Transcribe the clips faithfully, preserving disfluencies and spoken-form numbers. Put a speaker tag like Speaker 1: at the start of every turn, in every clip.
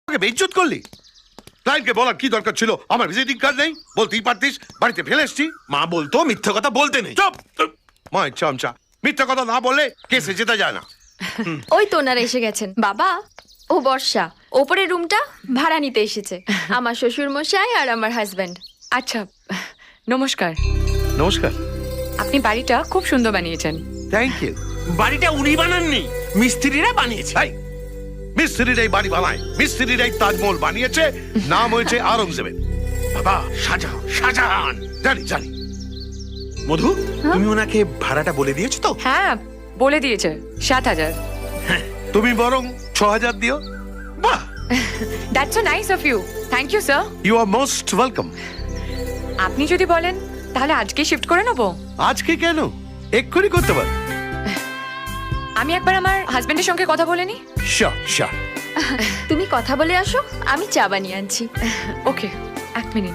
Speaker 1: বেইজ্জত করলি। ক্লায়েন্টকে বলার কি দরকার ছিল? আমার ভিজিটিং কার্ড নেই, বলতেই পারতিস বাড়িতে ফেলে এসছি।
Speaker 2: মা বলতো মিথ্যে কথা বলতে নেই।
Speaker 1: চুপ! মা চামচা, মিথ্যা কথা না বললে কেসে যেতে যায় না।
Speaker 3: ওই তো ওনারা এসে গেছেন। বাবা, ও বর্ষা, ওপরের রুমটা ভাড়া নিতে এসেছে। আমার শ্বশুর মশাই আর আমার হাজবেন্ড।
Speaker 4: আচ্ছা, নমস্কার।
Speaker 1: নমস্কার।
Speaker 4: আপনি বাড়িটা খুব সুন্দর বানিয়েছেন।
Speaker 1: Thank you.
Speaker 2: বাড়িটা উনি বানাননি, মিস্ত্রিরা বানিয়েছে।
Speaker 1: ভাই, মিস্ত্রিরাই বাড়ি বানায়, মিস্ত্রিরাই তাজমহল বানিয়েছে, নাম হয়েছে আওরঙ্গজেবের।
Speaker 2: বাবা শাহজাহান, শাহজাহান।
Speaker 1: জানি জানি।
Speaker 2: মধু, তুমি ওনাকে ভাড়াটা বলে দিয়েছো তো?
Speaker 4: হ্যাঁ, বলে দিয়েছে সাত হাজার।
Speaker 1: তুমি বরং ছ হাজার দিও।
Speaker 2: বাহ,
Speaker 4: that's so nice of you. Thank you sir.
Speaker 1: You are most welcome.
Speaker 4: আপনি যদি বলেন তাহলে আজকে শিফট করে নেবো।
Speaker 1: আজকে কেন, এক্ষুনি করতে পার।
Speaker 4: আমি একবার আমার হাজবেন্ডের সঙ্গে কথা বলে নিই।
Speaker 1: Sure sure.
Speaker 3: তুমি কথা বলে আসো, আমি চা বানিয়ে আনছি।
Speaker 4: ওকে, এক মিনিট।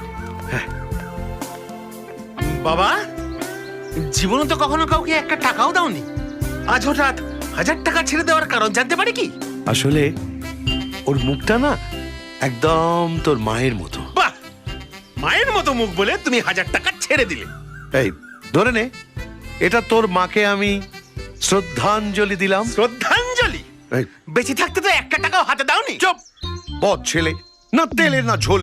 Speaker 2: বাবা জীবনে তো কখনো কাউকে একটা টাকাও দাওনি, আজ হঠাৎ হাজার টাকা ছেড়ে দেওয়ার কারণ জানতে পারি কি?
Speaker 1: আসলে ওর মুখটা না একদম তোর মায়ের মতো।
Speaker 2: বাহ, মায়ের মতো মুখ বলে তুমি হাজার টাকা ছেড়ে দিলে।
Speaker 1: এই ধরে নে, এটা তোর মাকে আমি শ্রদ্ধাঞ্জলি দিলাম।
Speaker 2: শ্রদ্ধাঞ্জলি?
Speaker 1: এই,
Speaker 2: বেঁচে থাকতে তো একটা টাকাও হাতে দাওনি।
Speaker 1: চুপ! বদ ছেলে, না তেলের না ঝোল।